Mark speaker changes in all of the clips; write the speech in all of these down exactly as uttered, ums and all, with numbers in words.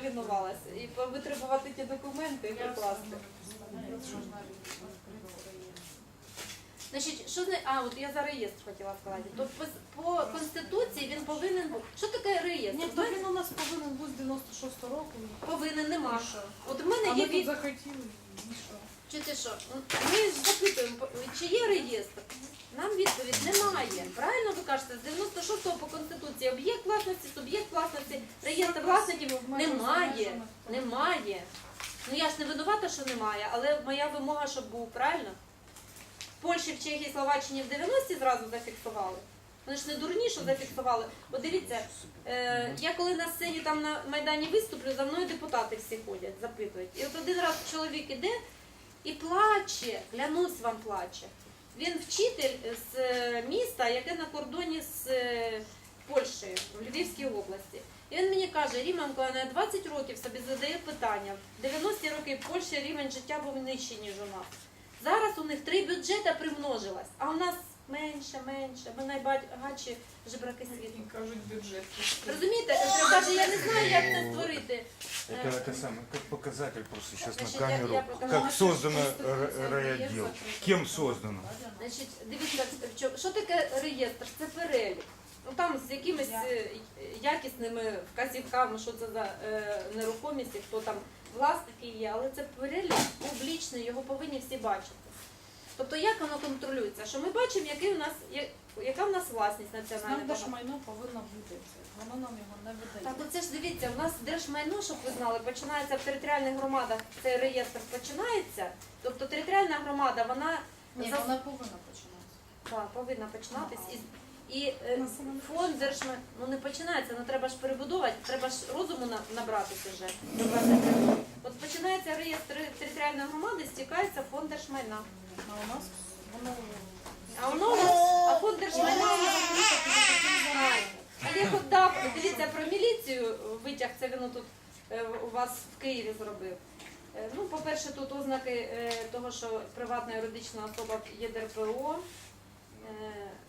Speaker 1: повинувалась. І витребувати ті документи і прикласти. Значить, що зна... А, от я за реєстр хотіла сказати. То по, по Конституції він повинен бути. Що таке реєстр?
Speaker 2: Ні, то він у нас повинен бути з дев'яносто шостого року.
Speaker 1: Повинен, нема.
Speaker 2: І що?
Speaker 1: От в мене
Speaker 2: А
Speaker 1: є
Speaker 2: ми тут
Speaker 1: від...
Speaker 2: захотіли, і що?
Speaker 1: Чуєте що? Ми ж запитуємо, чи є реєстр? Нам відповідь немає. Правильно ви кажете, з дев'яносто шостого по Конституції об'єкт власності, суб'єкт власності, реєстр власників немає. Немає. Ну я ж не винувата, що немає, але моя вимога, щоб був, правильно? В Польщі, в Чехії, Словаччині в дев'яності зразу зафіксували. Вони ж не дурні, що зафіксували. От дивіться, е, я коли на сцені там на Майдані виступлю, за мною депутати всі ходять, запитують. І от один раз чоловік іде і плаче, клянусь вам плаче. Він вчитель з міста, яке на кордоні з Польщею, в Львівській області. І він мені каже, Ріменко, я двадцять років собі задає питання. В дев'яності роки в Польщі рівень життя був нижчий, ніж у нас. Зараз у них три бюджети примножилось, а у нас менше, менше. Ми найбагатші жебраки світу.
Speaker 2: Кажуть, бюджет.
Speaker 1: Розумієте? Каже, я не знаю, як це створити.
Speaker 3: Это, это самое, как показатель просто сейчас
Speaker 1: Значит,
Speaker 3: на
Speaker 1: я-
Speaker 3: камеру,
Speaker 1: я покажу.
Speaker 3: как создано р- райотдел, кем создано.
Speaker 1: Значить, дивіться, що- що таке реєстр? Це перелік. Ну там з якимись е, якісними вказівками, що це за е, нерухомість, і хто там власники є, але це перелік публічний, його повинні всі бачити. Тобто як воно контролюється? Що ми бачимо, який у нас, я- яка в нас власність національна.
Speaker 2: Нам держмайно повинно бути. Воно нам його не видає.
Speaker 1: Так, оце ж дивіться, у нас держмайно, щоб ви знали, починається в територіальних громадах, цей реєстр починається. Тобто територіальна громада, вона
Speaker 2: Ні,
Speaker 1: за-
Speaker 2: вона повинна починатися.
Speaker 1: так, повинна починатись. І, і е, фонд держмайно, ну не починається, ну треба ж перебудовувати, треба ж розуму на- набратися вже. до двадцять третього. От починається реєстр територіальної громади, стікається фонд держмайна.
Speaker 2: А у нас воно...
Speaker 1: А воно у нас, а фонд держмайна у нас знає. А я от дав, дивіться, про міліцію витяг, це він тут е, у вас в Києві зробив. Е, Ну, по-перше, тут ознаки е, того, що приватна юридична особа є ДРПО. Е,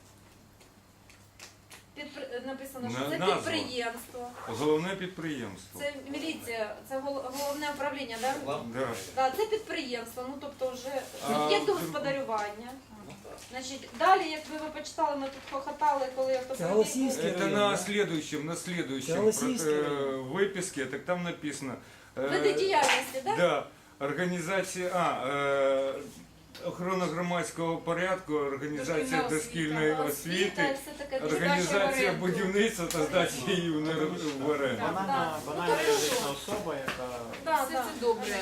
Speaker 1: підпри- Написано, що
Speaker 3: На-
Speaker 1: це
Speaker 3: назва.
Speaker 1: підприємство.
Speaker 3: Головне підприємство.
Speaker 1: Це міліція, це гол- головне управління, так? Да?
Speaker 3: Да.
Speaker 1: Да, це підприємство, ну тобто вже
Speaker 3: А,
Speaker 1: об'єкт господарювання. Значить, далі, якби ви почитали, ми тут хохотали, коли автопробіг.
Speaker 4: Голосіївський
Speaker 3: Это
Speaker 4: район,
Speaker 3: на
Speaker 4: да?
Speaker 3: следующем, на следующем
Speaker 4: Голосиевский
Speaker 3: про-
Speaker 4: район.
Speaker 3: э, выписке, так там написано. э,
Speaker 1: Види діяльності, так?
Speaker 3: Да, організація, а, е, охорона громадського порядку, організація
Speaker 2: Дошкільна
Speaker 3: дошкільної
Speaker 1: Освіта,
Speaker 3: освіти,
Speaker 1: все таке.
Speaker 3: організація будівництва та здачі її в нер- в оренду.
Speaker 1: Так,
Speaker 5: Вона
Speaker 1: так.
Speaker 5: вона
Speaker 1: Ну, тобто
Speaker 5: юридична
Speaker 1: що?
Speaker 5: особа, яка
Speaker 1: Да,
Speaker 2: Все
Speaker 1: да.
Speaker 2: це добре.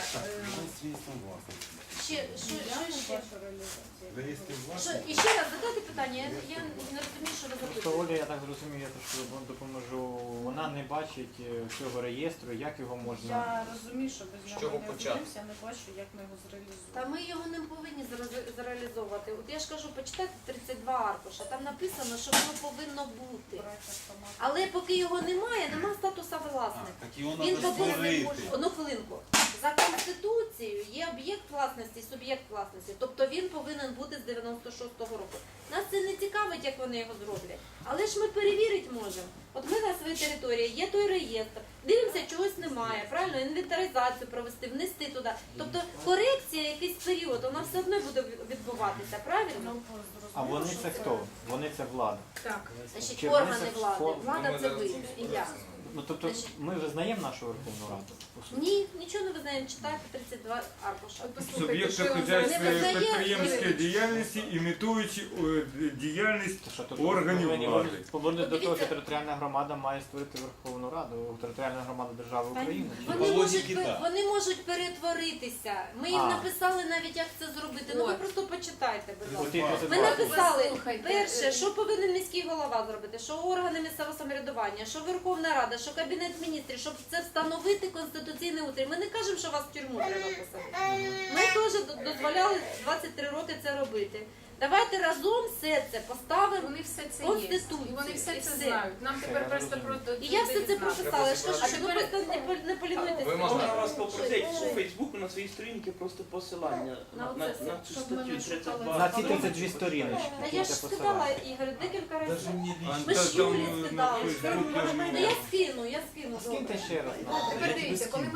Speaker 1: Ще, що, що ще?
Speaker 2: Ваша реалізація.
Speaker 1: Що, і ще раз задайте питання, я, я не розумію, що ви
Speaker 5: Просто
Speaker 1: запитуєте.
Speaker 5: Оля, я так зрозумів, я трошки вам допоможу. Вона не бачить е, цього реєстру, як його можна.
Speaker 2: Я розумію, що без нього
Speaker 6: чого
Speaker 2: не
Speaker 6: почати?
Speaker 2: розумівся, я не бачу, як ми його зреалізуємо.
Speaker 1: Та ми його не повинні зре- зреалізовувати. От я ж кажу, почитайте тридцять два аркуша, там написано, що воно повинно бути.
Speaker 2: Брати автомат.
Speaker 1: Але поки його немає, немає статуса власника.
Speaker 6: Так його
Speaker 1: Він
Speaker 6: треба
Speaker 1: повинен
Speaker 6: створити.
Speaker 1: одну хвилинку. За Конституцією є об'єкт власності, суб'єкт власності. Тобто він повинен бути з дев'яносто шостого року. Нас це не цікавить, як вони його зроблять. Але ж ми перевірити можемо. От ми на своїй території є той реєстр, дивимося, чогось немає, правильно, інвентаризацію провести, внести туди. Тобто корекція якийсь період, вона все одно буде відбуватися, правильно?
Speaker 2: Ну,
Speaker 5: А вони
Speaker 2: зрозуміло,
Speaker 5: це
Speaker 2: що
Speaker 5: хто? Вони це влада.
Speaker 2: Так.
Speaker 1: Значить,
Speaker 5: Чи
Speaker 1: органи
Speaker 5: вони це
Speaker 1: влади.
Speaker 5: фо-
Speaker 1: Влада це ви і я.
Speaker 5: Ну тобто
Speaker 1: Значить-
Speaker 5: ми визнаємо нашу Верховну Раду. по суті?
Speaker 1: Ні, нічого не визнаємо, читайте тридцять два аркуша.
Speaker 3: Суб'єкти
Speaker 1: Не
Speaker 3: хозяйственної
Speaker 1: визнає-
Speaker 3: підприємської діяльності, імітуючи е, діяльність
Speaker 5: То що тут
Speaker 3: органів
Speaker 5: повинні
Speaker 3: влади.
Speaker 5: поводити до того,
Speaker 1: Дивіться.
Speaker 5: що територіальна громада має створити Верховну Раду, територіальна громада держави України.
Speaker 1: Вони
Speaker 6: По
Speaker 1: можуть,
Speaker 6: логіці,
Speaker 1: пер-
Speaker 6: так.
Speaker 1: вони можуть перетворитися. Ми їм
Speaker 5: А.
Speaker 1: написали навіть, як це зробити. Ну ви
Speaker 2: От.
Speaker 1: просто почитайте, будь ласка.
Speaker 5: От і
Speaker 1: Ми
Speaker 5: це
Speaker 1: написали,
Speaker 2: Послухайте,
Speaker 1: перше,
Speaker 2: е,
Speaker 1: що повинен міський голова зробити, що органи місцевого самоврядування, що Верховна Рада, що Кабінет міністрів, щоб це встановити конституційний утрій. Ми не кажемо, що вас в тюрму треба посадити. Ми теж до- дозволяли двадцять три роки це робити. Давайте разом все це поставимо.
Speaker 7: Вони все це є.
Speaker 1: Конституцію.
Speaker 7: І вони все
Speaker 1: І
Speaker 7: це
Speaker 1: все.
Speaker 7: знають. Нам тепер просто про
Speaker 1: І я все це прописала. Я ж кажу,
Speaker 7: А
Speaker 1: що ви
Speaker 7: тепер-
Speaker 1: просто не, пол- не полінуйтесь.
Speaker 6: Ви
Speaker 8: Можна
Speaker 6: можна
Speaker 8: вас попросити у Фейсбуку на своїй сторінці просто посилання
Speaker 1: На
Speaker 8: на, на,
Speaker 1: оце,
Speaker 8: на цю
Speaker 2: щоб ми
Speaker 8: статтю
Speaker 2: не шукали.
Speaker 8: тридцять два.
Speaker 5: На ці тридцять дві сторіночки.
Speaker 1: Та
Speaker 5: які
Speaker 1: я ж
Speaker 5: це
Speaker 1: скидала,
Speaker 5: посилання.
Speaker 1: Ігор, декілька разів.
Speaker 6: Даже мені
Speaker 3: А,
Speaker 1: Ми
Speaker 3: та
Speaker 1: ж
Speaker 3: там
Speaker 1: Юлі
Speaker 3: на
Speaker 1: скидали.
Speaker 3: Фейсбуці
Speaker 1: Ну я скину, я скину.
Speaker 5: Скиньте ще раз.
Speaker 7: Тепер дивіться,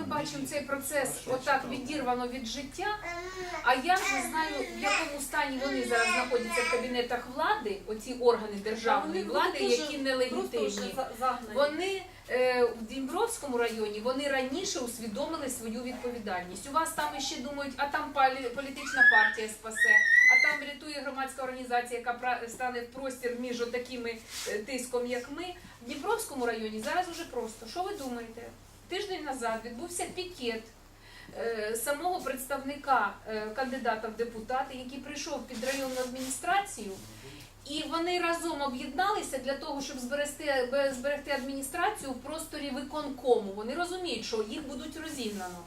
Speaker 7: бачимо цей процес отак відірвано від життя, а я ж не знаю, в якому стані вони зараз знаходяться в кабінетах влади, оці органи державної
Speaker 1: Вони
Speaker 7: влади,
Speaker 1: дуже
Speaker 7: які
Speaker 1: Просто вже
Speaker 7: нелегітимні.
Speaker 1: за- загнані.
Speaker 7: Вони е, в Дніпровському районі вони раніше усвідомили свою відповідальність. У вас там ще думають, а там палі- політична партія спасе, а там врятує громадська організація, яка пра- стане в простір між такими тиском, як ми. В Дніпровському районі зараз уже просто. Що ви думаєте? Тиждень назад відбувся пікет е, самого представника е, кандидата в депутати, який прийшов під районну адміністрацію. І вони разом об'єдналися для того, щоб зберегти, бе- зберегти адміністрацію в просторі виконкому. Вони розуміють, що їх будуть розігнано.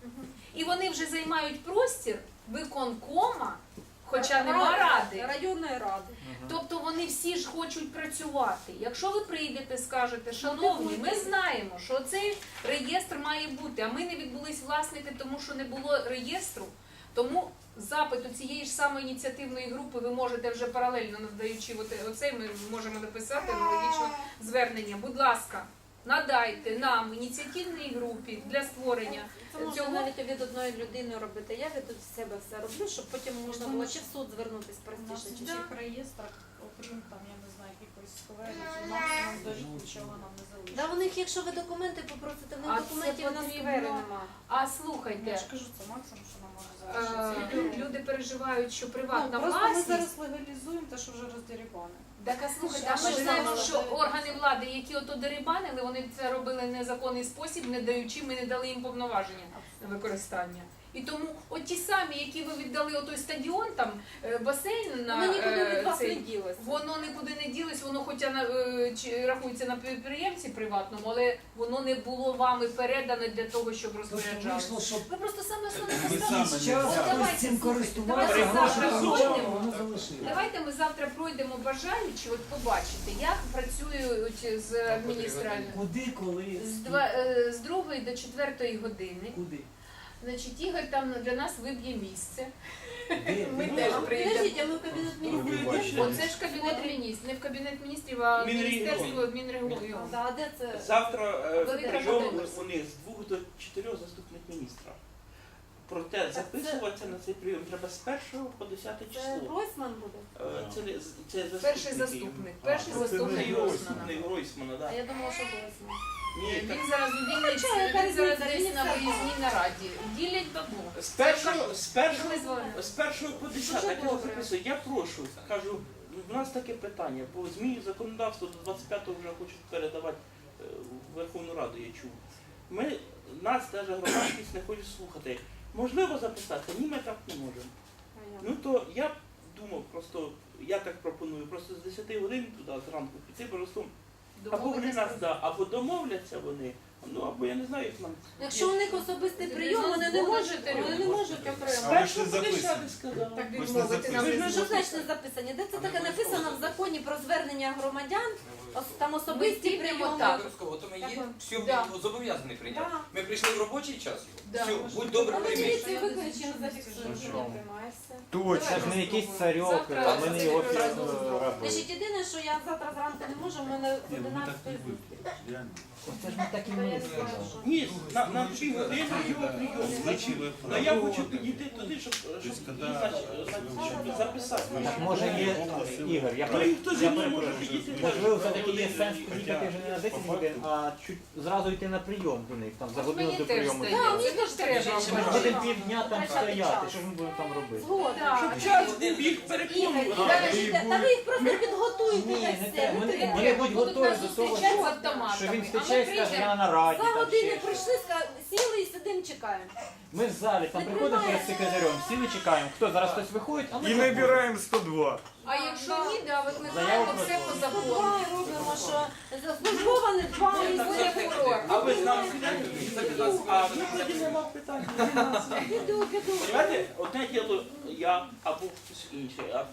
Speaker 7: І вони вже займають простір виконкома, хоча нема ради.
Speaker 1: Районної ради.
Speaker 7: Тобто вони всі ж хочуть працювати. Якщо ви прийдете, скажете, шановні, ми знаємо, що цей реєстр має бути, а ми не відбулись власники, тому що не було реєстру, тому запит у цієї ж самої ініціативної групи ви можете вже паралельно надаючи оте- оцей, ми можемо написати аналогічно звернення. Будь ласка, надайте нам ініціативній групі для створення
Speaker 1: Це можна
Speaker 7: цього.
Speaker 1: навіть від одної людини робити. Я від себе все роблю, щоб потім можна було чи в суд звернутися
Speaker 2: У нас
Speaker 1: простіше,
Speaker 2: в
Speaker 1: чи
Speaker 2: цих реєстрах, окрім там, я не знаю, якихось скверів, максимум до рік нічого нам не залишиться.
Speaker 1: Да, у них, якщо ви документи попросите, в них
Speaker 7: А це
Speaker 1: документів на
Speaker 7: потрібно.
Speaker 1: сквери нема.
Speaker 7: А
Speaker 2: Я
Speaker 7: слухайте,
Speaker 2: ж кажу, це максимум, що нам може
Speaker 7: е,
Speaker 2: залишитися.
Speaker 7: лю- люди переживають, що
Speaker 2: Ну,
Speaker 7: приватна
Speaker 2: просто ми
Speaker 7: власність.
Speaker 2: зараз легалізуємо те, що вже роздерибане.
Speaker 7: Так, а слухайте,
Speaker 1: А
Speaker 7: а ми
Speaker 1: що
Speaker 7: ж знаємо,
Speaker 1: ж
Speaker 7: що
Speaker 1: нам
Speaker 7: органи влади, які ото дерибанили, вони це робили в незаконний спосіб, не даючи, ми не дали їм повноваження на використання. І тому от ті самі, які ви віддали отой стадіон, там е, басейн на
Speaker 1: Воно нікуди
Speaker 7: е,
Speaker 1: від вас не
Speaker 7: цей,
Speaker 1: ділося.
Speaker 7: воно нікуди не ділось, воно хоча на е, чи рахується на підприємці приватному, але воно не було вами передане для того, щоб розпоряджалося.
Speaker 4: Вийшло, що
Speaker 1: Ви просто саме основне
Speaker 3: Ми
Speaker 1: поставили.
Speaker 3: саме
Speaker 4: час
Speaker 1: От давайте,
Speaker 4: хтось цим
Speaker 1: слухайте,
Speaker 4: користувався,
Speaker 1: давайте
Speaker 4: гроші
Speaker 7: завтра
Speaker 4: получав,
Speaker 7: пройдемо.
Speaker 4: воно залишилось.
Speaker 7: Давайте ми завтра пройдемо бажаючи, от побачити, як працюють з адміністрацією.
Speaker 4: Куди, коли,
Speaker 7: З, два, е, з другої до четвертої години.
Speaker 4: куди?
Speaker 7: Значить, Ігор там для нас виб'є місце.
Speaker 4: Де?
Speaker 7: Ми
Speaker 4: Де?
Speaker 7: теж
Speaker 1: А
Speaker 7: прийдемо.
Speaker 1: Підождіть, а ми в кабінет міністрів
Speaker 8: Ви
Speaker 1: йдемо?
Speaker 7: Оце ж кабінет міністрів, не в кабінет міністрів, а в
Speaker 8: Мінрегіон.
Speaker 7: міністерство Мінрегіону.
Speaker 1: Да, а де це?
Speaker 8: Завтра е,
Speaker 7: Велика
Speaker 8: прийом
Speaker 7: можливість.
Speaker 8: вони з двох до чотирьох заступник міністра. Проте записуватися на цей прийом треба з першого по десяте
Speaker 1: Це
Speaker 8: число.
Speaker 1: Гройсман буде?
Speaker 8: Е, Це, не- це заступники.
Speaker 7: Перший заступник, перший заступник
Speaker 8: Не
Speaker 7: Гройсмана.
Speaker 8: Гройсмана,
Speaker 1: А
Speaker 8: так.
Speaker 1: я думала, що Гройсман.
Speaker 8: Ні, так.
Speaker 7: Він зараз у Вінниці,
Speaker 1: чого, яка
Speaker 7: він зараз
Speaker 1: різниця?
Speaker 7: десь
Speaker 1: Він
Speaker 7: на
Speaker 1: це
Speaker 7: виїзній нараді. Ділять бабу.
Speaker 8: З першого, з першого,
Speaker 7: Ми
Speaker 8: з першого по десяте,
Speaker 1: Дуже
Speaker 8: так я
Speaker 1: добре.
Speaker 8: записую. Я прошу, кажу, в нас таке питання, бо зміни законодавства до двадцять п'ятого вже хочуть передавати е, в Верховну Раду, я чув. Ми, нас навіть громадськість не хоче слухати. Можливо записати? Ні, ми так не можемо. Ну то я б думав, просто, я так пропоную, просто з десяти годин туди зранку піти, просто або вони нас, да, або домовляться вони, ну або я не знаю, як нам.
Speaker 1: Якщо у них особистий прийом, вони не можуть, вони не можуть
Speaker 8: З
Speaker 1: окремо.
Speaker 8: першого
Speaker 3: ж
Speaker 8: по
Speaker 3: записані.
Speaker 8: десяте сказав.
Speaker 7: Так
Speaker 3: Ми ж не
Speaker 7: відмовити нам.
Speaker 8: Ви ж не
Speaker 1: Що значить не записані? Де це таке написано в законі про звернення громадян? Ос- Там особисті
Speaker 7: Ми підемо
Speaker 1: прийоми.
Speaker 7: так.
Speaker 6: Обов'язково, то ми є
Speaker 1: Так.
Speaker 6: все
Speaker 7: Да.
Speaker 6: зобов'язані прийняти.
Speaker 1: Да.
Speaker 6: Ми прийшли в робочий час.
Speaker 7: Да.
Speaker 6: Все, будь добре,
Speaker 1: А ми
Speaker 6: прийми.
Speaker 1: міліцію викличемо, зафіксуємо, що не приймається.
Speaker 5: Це
Speaker 3: Точно.
Speaker 5: ж не якийсь царьок, а ми не його робили.
Speaker 1: Значить, єдине, що я завтра зранку не можу, в мене з одинадцятої зустріч.
Speaker 5: Це ж ми так і
Speaker 1: То я
Speaker 5: не
Speaker 1: не знаю, що.
Speaker 8: Ні, на, на дві години його прийом. Ну я хочу підійти туди, щоб, щоб, значить, щоб записати.
Speaker 5: Так може є, Ігор, я,
Speaker 8: Ну,
Speaker 5: пере-
Speaker 8: і хто зі
Speaker 5: я
Speaker 8: мною
Speaker 5: перепрошую.
Speaker 8: може підійти?
Speaker 5: Можливо, все-таки є сенс їхати вже не на десять годин, а чуть зразу йти на прийом до них, там за годину
Speaker 7: Мені
Speaker 5: до
Speaker 7: теж
Speaker 5: прийому.
Speaker 7: здається.
Speaker 1: Да, мені
Speaker 7: Це
Speaker 1: теж
Speaker 7: ж
Speaker 1: треба.
Speaker 7: треба.
Speaker 5: Ми ж будемо півдня там
Speaker 1: Втрачати
Speaker 5: стояти,
Speaker 1: час.
Speaker 5: що ж ми будемо там робити?
Speaker 1: Згодна.
Speaker 8: Щоб час був їх
Speaker 1: Ігор,
Speaker 8: переконувати.
Speaker 1: підождіть, та ви їх просто підготуйте.
Speaker 5: Ні,
Speaker 1: та
Speaker 5: не
Speaker 1: все,
Speaker 5: треба.
Speaker 1: не
Speaker 5: Вони-
Speaker 1: треба.
Speaker 5: Вони будуть
Speaker 7: Будуть
Speaker 5: готові
Speaker 7: нас
Speaker 5: до того,
Speaker 7: зустрічати з
Speaker 5: що-
Speaker 7: автоматами.
Speaker 5: що він
Speaker 7: А ми
Speaker 5: втече і скаже,
Speaker 7: прийдемо.
Speaker 5: я на нараді.
Speaker 1: За
Speaker 5: там
Speaker 1: годину
Speaker 5: ще щось.
Speaker 1: прийшли, ска- сіли і сидимо, чекаємо.
Speaker 5: Ми в залі там
Speaker 1: Не
Speaker 5: приходимо перед
Speaker 1: тримається.
Speaker 5: секретарем, сіли чекаємо. Хто зараз хтось виходить, а ми
Speaker 3: І
Speaker 5: заходимо.
Speaker 3: набираємо сто два.
Speaker 7: А якщо ні, да,
Speaker 5: Заяву
Speaker 7: викликаємо все по
Speaker 5: просто.
Speaker 7: закону.
Speaker 1: Давай робимо, що службова не дбає, буде прокурор.
Speaker 8: А ви з нами підете? А ну тоді нема питань.
Speaker 1: Піду, піду.
Speaker 8: Понимаєте, одне діло я або хтось інший, а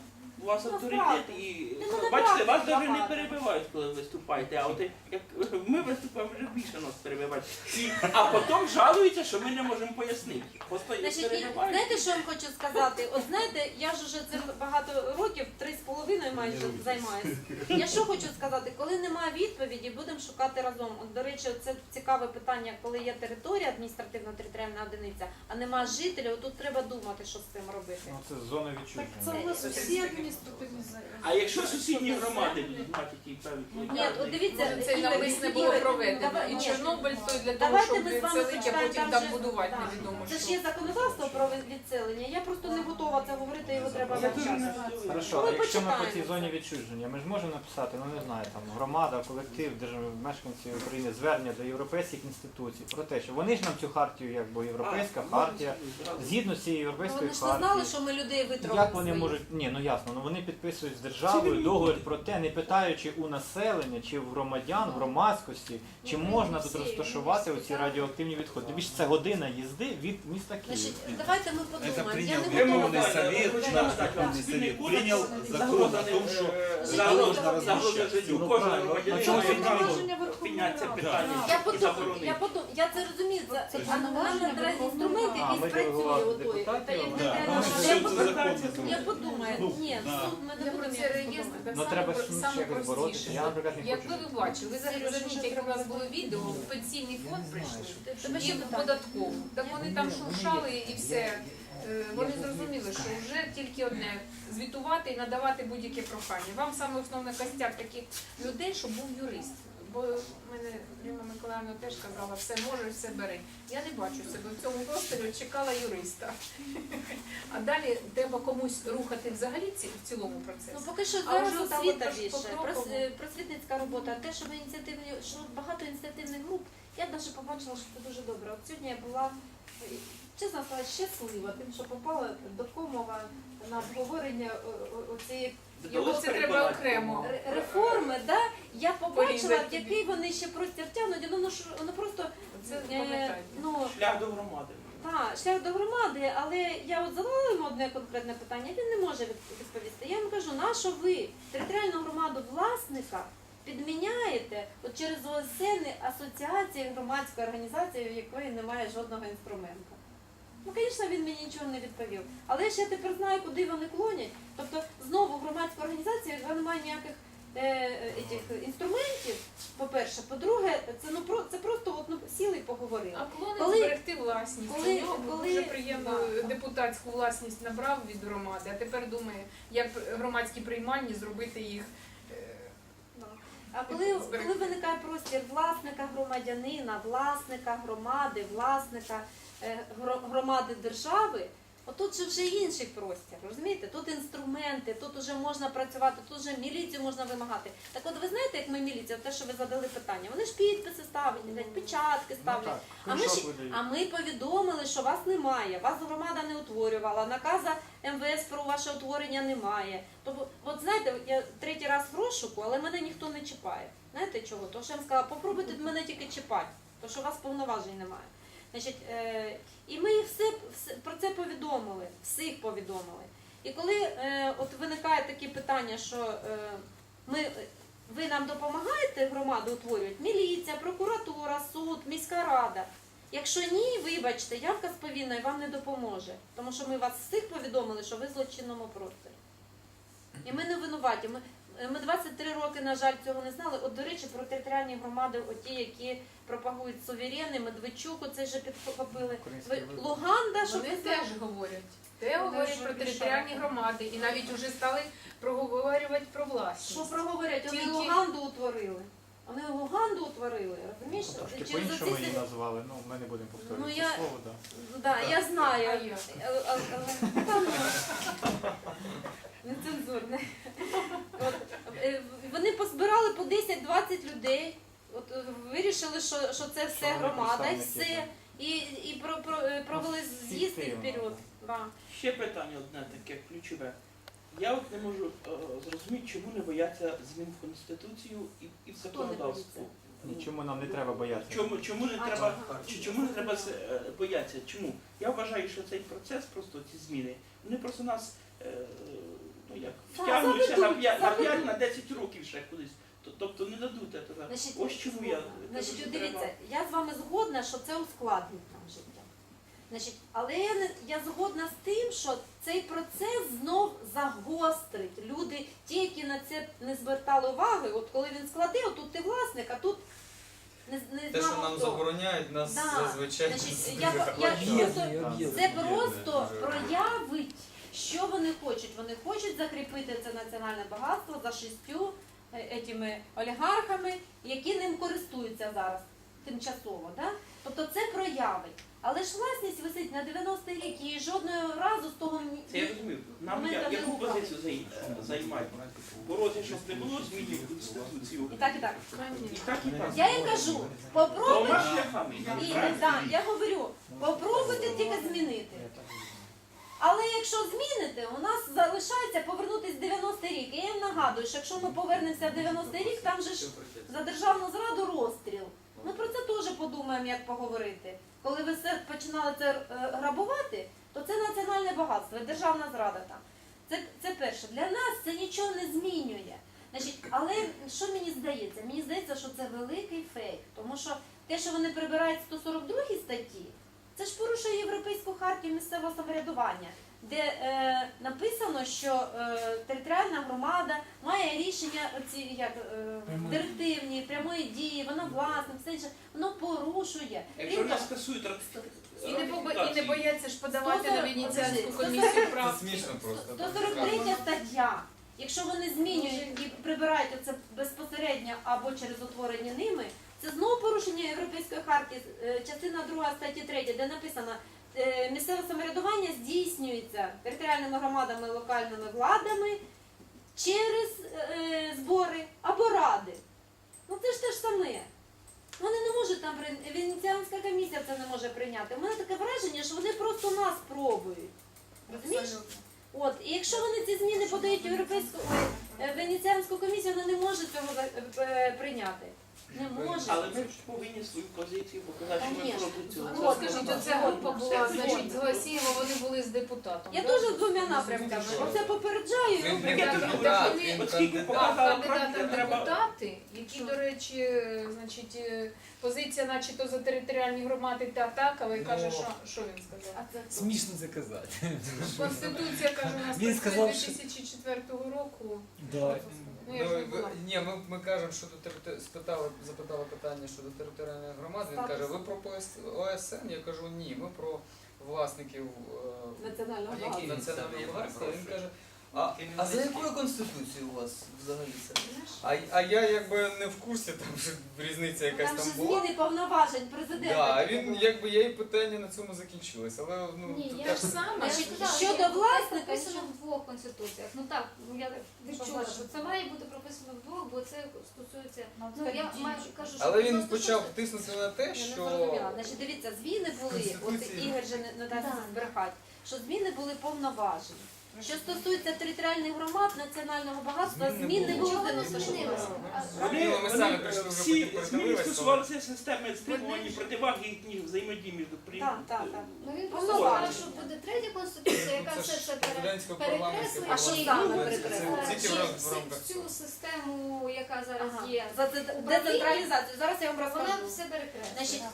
Speaker 8: вас
Speaker 1: Ну,
Speaker 8: авторитет
Speaker 1: правда.
Speaker 8: і
Speaker 1: Ну, ну,
Speaker 8: бачите, вас
Speaker 1: правда,
Speaker 8: навіть не
Speaker 1: багато.
Speaker 8: перебивають, коли ви виступаєте, а от як ми виступаємо, вже більше нас перебивають. І, а потім жалуються, що ми не можемо пояснити. Просто їх
Speaker 1: Значить, і
Speaker 8: перебивають.
Speaker 1: знаєте, що я вам хочу сказати? От знаєте, я ж уже цим багато років, три з половиною майже займаюся. Я що хочу сказати, коли немає відповіді, будемо шукати разом. От, до речі, це цікаве питання, коли є територія, адміністративно-територіальна одиниця, а немає жителів, тут треба думати, що з цим робити.
Speaker 5: Ну це зона
Speaker 2: Так це
Speaker 5: відчуження.
Speaker 2: у нас усі адміністративні заяви.
Speaker 8: А якщо сусідні громади будуть мати які певні...
Speaker 1: Ні, от дивіться,
Speaker 7: Може, це
Speaker 1: Ігор,
Speaker 7: навмисне було
Speaker 1: Ігор,
Speaker 7: проведено.
Speaker 1: давай-
Speaker 7: І
Speaker 1: ні.
Speaker 7: Чорнобиль той для того,
Speaker 1: Давайте
Speaker 7: щоб
Speaker 1: ми з вами
Speaker 7: відселити, а
Speaker 1: почитаємо,
Speaker 7: потім
Speaker 1: там
Speaker 7: там
Speaker 1: же-
Speaker 7: будувати
Speaker 1: так.
Speaker 7: невідомо
Speaker 1: Це ж
Speaker 7: що.
Speaker 1: є законодавство про відселення, я просто не готова це говорити, його треба
Speaker 8: Я дуже
Speaker 1: вивчати.
Speaker 8: не готовий.
Speaker 5: Хорошо,
Speaker 1: Ми
Speaker 5: а якщо ми по
Speaker 1: почитаємо
Speaker 5: цій
Speaker 1: це.
Speaker 5: зоні відчуження, ми ж можемо написати, ну не знаю, там громада, колектив, держ- мешканці України звернення до європейських інституцій про те, що вони ж нам цю хартію, якби європейська
Speaker 8: А,
Speaker 5: хартія,
Speaker 8: зразу.
Speaker 5: згідно з цією
Speaker 1: Ну,
Speaker 5: європейською
Speaker 1: вони ж не знали,
Speaker 5: хартією.
Speaker 1: що ми людей витравили.
Speaker 5: Як вони можуть, ні, ну ясно, ну вони підписують з державою
Speaker 8: Цивільні
Speaker 5: договір
Speaker 8: люди.
Speaker 5: про те, не питаючи у населення чи в громадян, в громадськості, чи можна тут розташувати оці радіоактивні відходи. Тобі ж це година їзди від міста Києва.
Speaker 1: Значить, давайте ми подумаємо.
Speaker 4: принял
Speaker 1: Я не
Speaker 4: Верховный
Speaker 1: готова.
Speaker 4: Совет,
Speaker 8: Хочу
Speaker 4: наш
Speaker 8: нагадати вам,
Speaker 4: Верховный
Speaker 8: спільний
Speaker 4: Совет
Speaker 8: кодекс
Speaker 4: принял закон о том, что
Speaker 8: загроза загроза життю
Speaker 5: Ну,
Speaker 8: кожного
Speaker 5: правильно.
Speaker 8: громадянина
Speaker 5: На чому
Speaker 8: має право
Speaker 2: повноваження Верховної
Speaker 8: підняти це
Speaker 2: Ради?
Speaker 8: питання
Speaker 1: Я
Speaker 8: і
Speaker 1: подумаю,
Speaker 8: заборонити.
Speaker 1: я подумаю, я це розумію, це,
Speaker 2: Це
Speaker 1: а нам
Speaker 2: повноваження
Speaker 1: треба
Speaker 2: Верховної
Speaker 1: інструмент,
Speaker 5: Ради. А, ми
Speaker 1: який працює
Speaker 5: делегували
Speaker 1: отой.
Speaker 5: депутатів,
Speaker 1: Та як
Speaker 5: да.
Speaker 1: не треба,
Speaker 4: Ну,
Speaker 1: я
Speaker 4: суд
Speaker 1: подумаю,
Speaker 4: законно.
Speaker 1: я подумаю,
Speaker 4: Ну,
Speaker 1: ні,
Speaker 4: да.
Speaker 1: суд ми не
Speaker 7: Для
Speaker 1: будемо
Speaker 7: про це
Speaker 1: якось
Speaker 7: реєстр
Speaker 1: подумати.
Speaker 7: так
Speaker 5: Ну
Speaker 7: само,
Speaker 5: треба
Speaker 7: про-
Speaker 5: ж ну,
Speaker 7: саме
Speaker 5: ще якось боротися.
Speaker 7: простіше.
Speaker 5: Я, наприклад, не
Speaker 7: Якби
Speaker 5: хочу.
Speaker 7: ви бачили, ви зараз зверніть, як у нас було відео, в пенсійний фонд прийшли,
Speaker 1: Тебе
Speaker 7: і
Speaker 1: ще
Speaker 7: в
Speaker 1: питання?
Speaker 7: податкову. Так вони там шуршали і все. Е, Вони зрозуміли, що вже тільки одне звітувати і надавати будь-яке прохання. Вам саме основне костяк таких людей, щоб був юрист. Бо мене Ірина Миколаївна теж казала, все можеш, все бери. Я не бачу себе в цьому просторі, чекала юриста. А далі треба комусь рухати взагалі ці- в цілому
Speaker 1: Ну,
Speaker 7: процесі.
Speaker 1: поки що
Speaker 7: А
Speaker 1: зараз
Speaker 7: вже там
Speaker 1: освіта
Speaker 7: от
Speaker 1: більше,
Speaker 7: покроково.
Speaker 1: прос- е, просвітницька робота, те, що ви ініціативні, що багато ініціативних груп, я навіть побачила, що це дуже добре. От сьогодні я була, е, чесно сказати, щаслива тим, що попала до Комова на обговорення о- о- оцієї
Speaker 7: Його це треба окремо.
Speaker 1: ре- реформи, да? Я побачила,
Speaker 7: Порізати
Speaker 1: який вони ще простір тягнуть, і воно ж воно просто
Speaker 7: Це
Speaker 1: е,
Speaker 7: пам'ятаю.
Speaker 1: ну,
Speaker 8: Шлях до громади.
Speaker 1: так, шлях до громади, але я от задала йому одне конкретне питання, він не може від- відповісти. Я йому кажу, на що ви територіальну громаду власника підміняєте от через О С Н асоціації громадської організації, в якої немає жодного інструменту. Ну, звісно, він мені нічого не відповів. Але ж я тепер знаю, куди вони клонять. Тобто, знову громадська організація, яка не має ніяких е, етих інструментів, по-перше. По-друге, це, ну, про, це просто от, ну, сіли і поговорили.
Speaker 7: А клонить
Speaker 1: Коли-
Speaker 7: зберегти власність.
Speaker 1: коли-
Speaker 7: У нього
Speaker 1: коли-
Speaker 7: дуже приємно
Speaker 1: да.
Speaker 7: депутатську власність набрав від громади, а тепер думає, як громадські приймальні зробити їх. е,
Speaker 1: А коли, коли виникає простір власника громадянина, власника громади, власника е, гро- громади держави, отут же вже інший простір, розумієте? Тут інструменти, тут вже можна працювати, тут вже міліцію можна вимагати. Так от ви знаєте, як ми міліція, те, що ви задали питання, вони ж підписи ставлять, блядь, печатки
Speaker 5: Ну,
Speaker 1: ставлять.
Speaker 5: так,
Speaker 1: А ми,
Speaker 5: кришок
Speaker 1: ж,
Speaker 5: видають.
Speaker 1: а ми повідомили, що вас немає, вас громада не утворювала, наказа М В С про ваше утворення немає. Тобто, от знаєте, я третій раз в розшуку, але мене ніхто не чіпає. Знаєте чого? Тому що я вам сказала, попробуйте мене тільки чіпати, тому що у вас повноважень немає. Значить, е, і ми їх все, все про це повідомили, всіх повідомили. І коли е, от виникає такі питання, що е, ми, ви нам допомагаєте громаду утворювати, міліція, прокуратура, суд, міська рада. Якщо ні, вибачте, явка з повинною вам не допоможе, тому що ми вас всіх повідомили, що ви в злочинному просторі. І ми не винуваті. Ми, ми двадцять три роки, на жаль, цього не знали. От, до речі, про територіальні громади, оті, які пропагують суверени, Медведчук, оце вже підхопили.
Speaker 5: Український
Speaker 1: Ви-
Speaker 5: вибір.
Speaker 1: Луганда, що
Speaker 7: Вони
Speaker 1: ви
Speaker 7: теж говорять. Те
Speaker 2: Вони
Speaker 7: говорять
Speaker 2: ж
Speaker 7: про
Speaker 2: обіцяли.
Speaker 7: територіальні громади і навіть вже стали проговорювати про власність.
Speaker 1: що проговорять? Вони
Speaker 7: Тільки-
Speaker 1: Луганду утворили. Вони Луганду утворили, розумієш?
Speaker 5: Трошки
Speaker 1: Через
Speaker 5: по-іншому
Speaker 1: оці-
Speaker 5: її назвали, ну ми не будемо повторювати
Speaker 1: Ну,
Speaker 5: це
Speaker 1: я-
Speaker 5: слово, да.
Speaker 1: Да, я знаю.
Speaker 7: А як?
Speaker 1: Але- але- але- Та ну, нецензурне. От, е, вони позбирали по десять-двадцять людей. От е, вирішили, що, що це все
Speaker 5: вони
Speaker 1: громада і
Speaker 5: представники,
Speaker 1: все. І, і про, про, е, провели з'їзд і
Speaker 5: Фіктивно,
Speaker 1: вперед. Да.
Speaker 8: Ще питання одне таке ключове. Я от не можу е, зрозуміти, чому не бояться змін в Конституцію і, і в
Speaker 1: Хто не
Speaker 8: законодавство.
Speaker 5: Нічому нам не треба боятися.
Speaker 8: Чому, чому не
Speaker 1: А,
Speaker 8: треба,
Speaker 1: ага.
Speaker 8: чи чому не треба е, боятися? Чому? Я вважаю, що цей процес, просто ці зміни, вони просто нас е, ну, як
Speaker 1: Так,
Speaker 8: втягнуть ще на
Speaker 1: заведуть,
Speaker 8: п'ять на
Speaker 1: заведуть.
Speaker 8: п'ять, на десять років ще кудись. Т- Тобто не дадуть этого.
Speaker 1: Значить,
Speaker 8: Ось чому я
Speaker 1: Значить,
Speaker 8: кажу,
Speaker 1: от
Speaker 8: що
Speaker 1: дивіться,
Speaker 8: треба.
Speaker 1: я з вами згодна, що це ускладнить нам життя. Значить, але я, не, я згодна з тим, що цей процес знов загострить. Люди, ті, які на це не звертали уваги, от коли він складе, отут ти власник, а тут не, не
Speaker 6: Те,
Speaker 1: знав,
Speaker 6: що нам
Speaker 1: хто.
Speaker 6: забороняють, нас
Speaker 1: Да.
Speaker 6: зазвичай
Speaker 1: Значить,
Speaker 6: дуже
Speaker 1: я, я,
Speaker 6: захвачує.
Speaker 1: просто, це просто проявить, що вони хочуть. Вони хочуть закріпити це національне багатство за шістю е, етими олігархами, які ним користуються зараз тимчасово. Да? Тобто це проявить. Але ж власність висить на дев'яностий рік і жодного разу з того ні-
Speaker 8: Це я розумію. Нам
Speaker 1: Момент
Speaker 8: я,
Speaker 1: там
Speaker 8: яку
Speaker 1: не вправ.
Speaker 8: позицію зай- займати? Боротися, щоб не було змінів в Конституцію.
Speaker 1: і так, і так.
Speaker 8: І так, і так.
Speaker 1: Я їм кажу, попробуйте.
Speaker 8: Двома шляхами.
Speaker 1: І, да, я говорю, попробуйте тільки змінити. Але якщо зміните, у нас залишається повернутися в дев'яностий рік. І я їм нагадую, що якщо ми повернемося в дев'яностий рік, там же ж за державну зраду розстріл. Ми про це теж подумаємо, як поговорити. Коли ви все починали це е, грабувати, то це національне багатство, державна зрада там. Це, це перше. Для нас це нічого не змінює. Значить, але що мені здається? Мені здається, що це великий фейк. Тому що те, що вони прибирають сто сорок другій статті, це ж порушує Європейську хартію місцевого самоврядування, де е, написано, що е, територіальна громада має рішення ці, як, е, директивні, прямої дії, вона власник, все інше, воно порушує.
Speaker 8: Якщо
Speaker 1: Крім
Speaker 8: не
Speaker 1: того,
Speaker 8: скасують ра-
Speaker 7: І не, бо- і не
Speaker 8: ратифікацію.
Speaker 7: бояться ж подавати на Венеціанську
Speaker 1: Подожди,
Speaker 7: комісію
Speaker 6: Це
Speaker 7: прав.
Speaker 6: смішно просто.
Speaker 1: сто сорок третя стаття. Якщо вони змінюють і прибирають це безпосередньо або через утворення ними, це знову порушення Європейської хартії, е, частина друга статті третя, де написано, е, місцеве самоврядування здійснюється територіальними громадами, локальними владами через е, збори або ради. Ну це ж те ж саме. Вони не можуть там прийняти, Венеціанська комісія це не може прийняти. У мене таке враження, що вони просто нас пробують. Розумієш? От, і якщо вони ці зміни подають в Європейську ой, е, Венеціанську комісію, вона не може цього за- е, прийняти. Не може.
Speaker 8: Але ми ж повинні свою позицію показати, що ми
Speaker 1: Конечно.
Speaker 8: проти цього.
Speaker 1: Ну, от,
Speaker 7: Скажіть,
Speaker 1: ну,
Speaker 7: оця група була,
Speaker 8: Все
Speaker 7: значить, з
Speaker 8: згодно.
Speaker 7: Гасієва, вони були з депутатом.
Speaker 1: Я
Speaker 7: да?
Speaker 1: теж з двома напрямками. Оце попереджаю. і
Speaker 6: Він
Speaker 1: роблю.
Speaker 8: Таке
Speaker 7: Так,
Speaker 8: тут
Speaker 7: так,
Speaker 8: буде.
Speaker 7: так,
Speaker 6: він
Speaker 8: От скільки
Speaker 6: кандидат.
Speaker 8: показала
Speaker 7: Так,
Speaker 8: практика,
Speaker 7: кандидати в
Speaker 8: треба...
Speaker 7: депутати, які, до речі, значить, е, позиція начебто за територіальні громади та так, але
Speaker 3: Ну.
Speaker 7: каже, що, що він сказав?
Speaker 1: А це хто?
Speaker 3: Смішно це казати.
Speaker 7: Конституція, каже, у нас
Speaker 3: Він
Speaker 7: працює
Speaker 3: сказав,
Speaker 7: з
Speaker 3: що-
Speaker 7: дві тисячі четвертого року.
Speaker 3: Да.
Speaker 7: Ну, я ж не
Speaker 6: Ну,
Speaker 7: була.
Speaker 6: ви- ні, ми, ми кажемо, що до територи- спитали, запитали питання щодо територіальної громади. Він
Speaker 1: Статус.
Speaker 6: каже, ви про ПОС- О С Н? Я кажу, ні, ми про власників е,
Speaker 1: Національного
Speaker 6: які
Speaker 1: багатства.
Speaker 6: національного багатства. Він каже, а, а за якою конституцією у вас взагалі це? А, а я якби не в курсі, там вже різниця якась
Speaker 1: Там
Speaker 6: там
Speaker 1: же
Speaker 6: була.
Speaker 1: зміни повноважень президента.
Speaker 6: Да, а
Speaker 1: тільки
Speaker 6: він
Speaker 1: були.
Speaker 6: якби я і питання на цьому закінчилось. Але ну
Speaker 4: Ні,
Speaker 6: тут
Speaker 4: я
Speaker 6: теж-
Speaker 7: Те ж саме.
Speaker 4: Я ж
Speaker 1: Значить,
Speaker 4: сказала,
Speaker 1: щодо
Speaker 4: що
Speaker 1: власника,
Speaker 4: це прописано
Speaker 1: що-
Speaker 4: в двох конституціях. Ну так, ну я відчула, що це має бути прописано в двох, бо це стосується. Ну я маю кажу, що
Speaker 6: Але
Speaker 4: це
Speaker 6: він
Speaker 4: стосується-
Speaker 6: почав тиснути на те,
Speaker 1: Я не
Speaker 6: що
Speaker 1: зрозуміла. Значить, дивіться, зміни були, от
Speaker 6: Конституції.
Speaker 1: Ігор же не, не дасть
Speaker 4: Да.
Speaker 1: збрехати, що зміни були повноважені. Що стосується територіальних громад, національного багатства,
Speaker 6: Змін не
Speaker 1: змін не
Speaker 6: було.
Speaker 1: було
Speaker 4: Чого
Speaker 1: в
Speaker 4: не
Speaker 1: дев'яносто шостому
Speaker 4: змінилося?
Speaker 1: році.
Speaker 4: А-
Speaker 8: Вони,
Speaker 6: Ну, ми самі
Speaker 8: вони
Speaker 6: прийшли вже,
Speaker 8: всі
Speaker 6: потім
Speaker 8: зміни
Speaker 6: передивилися,
Speaker 8: стосувалися системи стримувань, противаги їхніх взаємодій між при-
Speaker 1: Так, так, так.
Speaker 4: Ну він
Speaker 1: Ну,
Speaker 4: просто
Speaker 1: ладно.
Speaker 4: сказав, що буде третя конституція, яка
Speaker 6: це
Speaker 4: все
Speaker 6: ж
Speaker 4: це пере-
Speaker 6: президентського
Speaker 4: перекреслює.
Speaker 6: парламентського
Speaker 1: А що
Speaker 4: і
Speaker 1: саме
Speaker 4: робить,
Speaker 1: перекреслює?
Speaker 4: е,
Speaker 6: Це тільки
Speaker 4: чи
Speaker 6: в рам- в
Speaker 4: всі-
Speaker 6: рамках
Speaker 4: цю
Speaker 6: цього.
Speaker 4: систему, яка зараз
Speaker 1: Ага.
Speaker 4: є,
Speaker 1: За це-
Speaker 4: Управління.
Speaker 1: децентралізацію. Зараз я вам
Speaker 4: вона
Speaker 1: розкажу.
Speaker 4: все перекреслює.
Speaker 1: Значить,